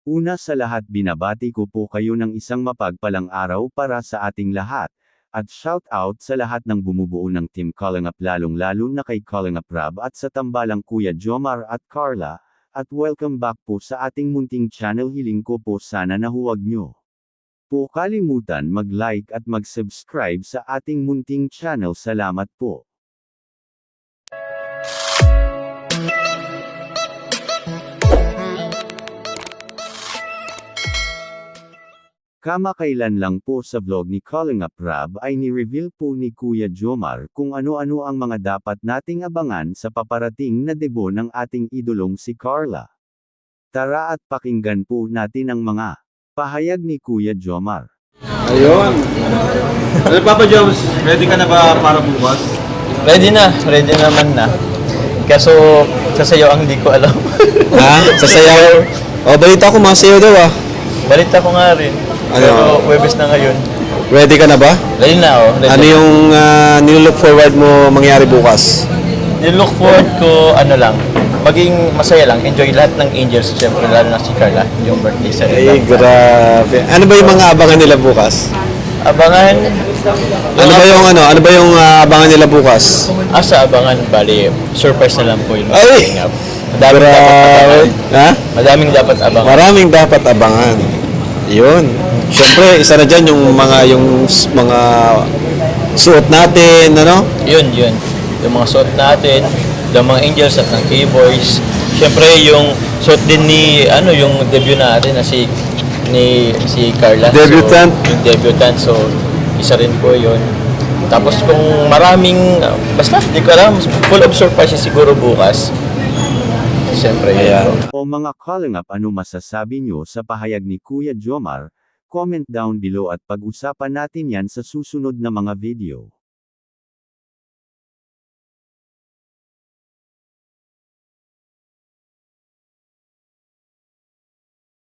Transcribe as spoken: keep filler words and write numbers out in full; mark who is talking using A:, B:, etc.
A: Una sa lahat binabati ko po kayo ng isang mapagpalang araw para sa ating lahat, at shout out sa lahat ng bumubuo ng Team Kalingap lalong-lalo na kay Kalingap Rab at sa tambalang Kuya Jomar at Carla, at welcome back po sa ating munting channel. Hiling ko po sana na huwag nyo po kalimutan mag-like at mag-subscribe sa ating munting channel. Salamat po. Kamakailan lang po sa vlog ni Kalingap Rab ay ni-reveal po ni Kuya Jomar kung ano-ano ang mga dapat nating abangan sa paparating na debut ng ating idolong si Carla. Tara at pakinggan po natin ang mga pahayag ni Kuya Jomar.
B: Ayun. Ano Papa Joms, ready ka na ba para bukas?
C: Ready na, ready naman na. Kaso, sasayaw ang hindi ko alam.
D: Ha? Sasayaw? O, balita ko mga sayo daw ah.
C: Balita ko nga rin.
D: Ano?
C: Pero Webes na ngayon.
D: Ready ka na ba?
C: Ready na oh. Ready
D: Ano
C: na.
D: yung uh, nilook forward mo mangyari bukas?
C: Nilook forward ko, ano lang, maging masaya lang, enjoy lahat ng Angels, siyempre lalo na si Carla, yung birthday sa
D: Ay, grabe. Ano ba yung mga abangan nila bukas?
C: Abangan,
D: Ano ba yung ano? Ano ba yung uh, abangan nila bukas?
C: asa abangan, bali, surprise na lang po yun.
D: Ay!
C: Madaming dapat abangan.
D: Ha?
C: Madaming dapat abangan.
D: Maraming dapat abangan. Yun. Siyempre, isa na dyan yung mga yung s- mga suot natin, ano?
C: Yun, yun. Yung mga suot natin, yung mga Angels at ng K-Boys. Siyempre, yung suot din ni, ano, yung debut natin na si, ni, si Carla.
D: Debutant.
C: So, yung debutant. So, isa rin po yun. Tapos kung maraming, uh, basta, di ko alam, full of surprises siguro bukas. Siyempre, yun
D: Ayan.
C: po.
A: O mga Kalingap, ano masasabi nyo sa pahayag ni Kuya Jomar? Comment down below at pag-usapan natin yan sa susunod na mga video.